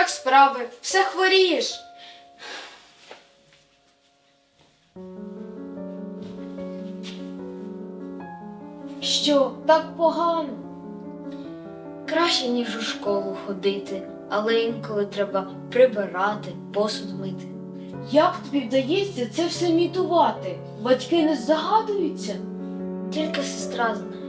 Як справи? Все хворієш? Що, так погано? Краще, ніж у школу ходити, але інколи треба прибирати, посуд мити. Як тобі вдається це все мітувати? Батьки не здогадуються? Тільки сестра знає.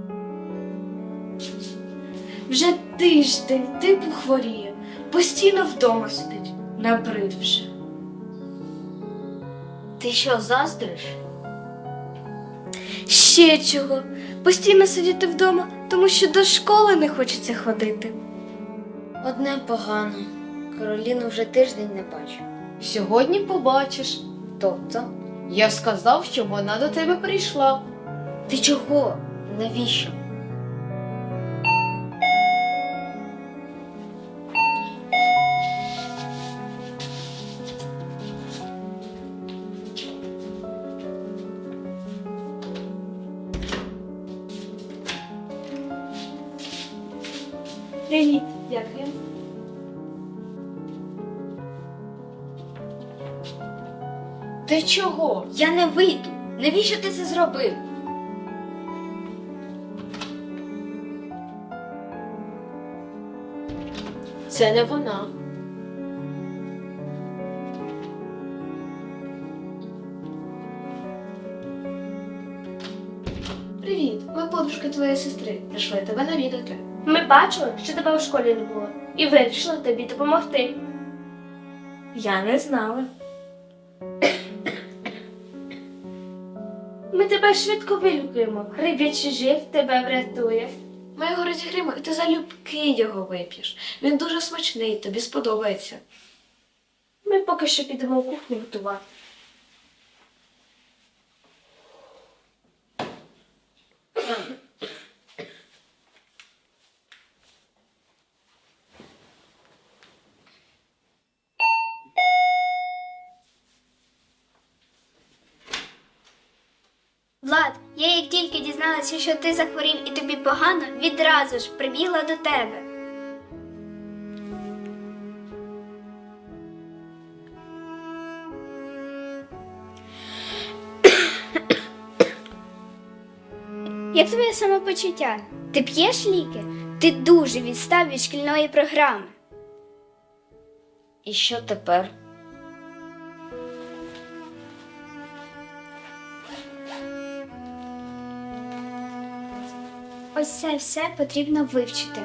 Вже тиждень типу хворіє, постійно вдома сидить, набрид вже. Ти що, заздриш? Ще чого? Постійно сидіти вдома, тому що до школи не хочеться ходити. Одне погано. Кароліну вже тиждень не бачу. Сьогодні побачиш. Тобто? Я сказав, що вона до тебе прийшла. Ти чого? Навіщо? Привіт, дякую. Ти чого? Я не вийду. Навіщо ти це зробив? Це не вона. Привіт, ми подружки твоєї сестри. Прийшли тебе навідати. Ми бачили, що тебе у школі не було, і вирішили тобі допомогти. Я не знала. Ми тебе швидко вилікуємо. Риб'ячий жир тебе врятує. Ми його розігріємо, і ти залюбки його вип'єш. Він дуже смачний, тобі сподобається. Ми поки що підемо в кухню готувати. Влад, я як тільки дізналася, що ти захворів і тобі погано, відразу ж прибігла до тебе. Як твоє самопочуття? Ти п'єш ліки? Ти дуже відстав від шкільної програми. І що тепер? Ось це все потрібно вивчити.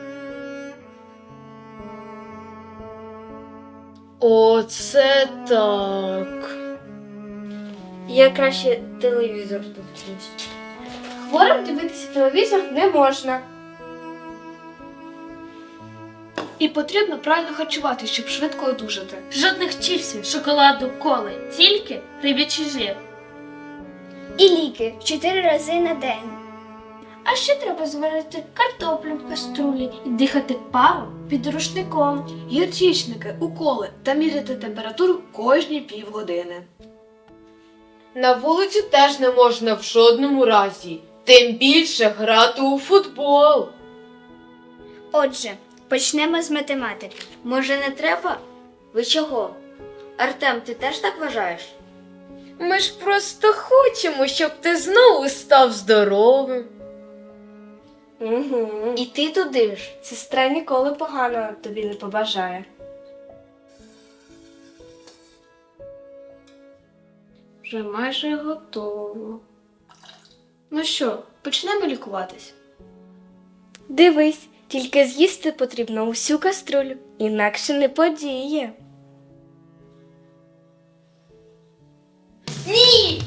Оце так. Я краще телевізор дивлюсь. Хворим дивитися телевізор не можна. І потрібно правильно харчувати, щоб швидко одужати. Жодних чіпсів, шоколаду, коли, тільки риб'ячий жир. І ліки 4 рази на день. А ще треба зварити картоплю в каструлі і дихати паром під рушником. Гірчичники, уколи та міряти температуру кожні півгодини. На вулицю теж не можна в жодному разі. Тим більше грати у футбол. Отже, почнемо з математики. Може, не треба? Ви чого? Артем, ти теж так вважаєш? Ми ж просто хочемо, щоб ти знову став здоровим. Угу. І ти туди ж. Сестра ніколи поганого тобі не побажає. Вже майже готово. Ну що, почнемо лікуватись? Дивись, тільки з'їсти потрібно усю каструлю, інакше не подіє. Ні!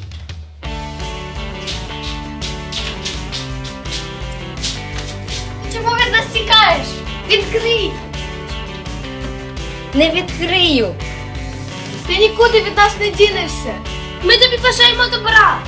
Чому від нас тікаєш? Відкрий! Не відкрию! Ти нікуди від нас не дінешся! Ми тобі бажаємо добра!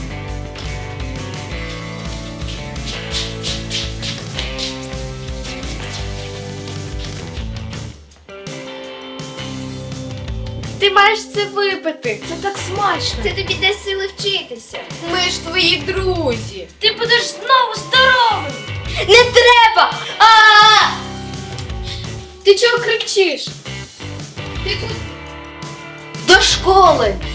Ти маєш це випити! Це так смачно! Це тобі дасть сили вчитися. Ми ж твої друзі. Ти будеш знову здоровим! Не треба! Ти чого кричиш? До школи!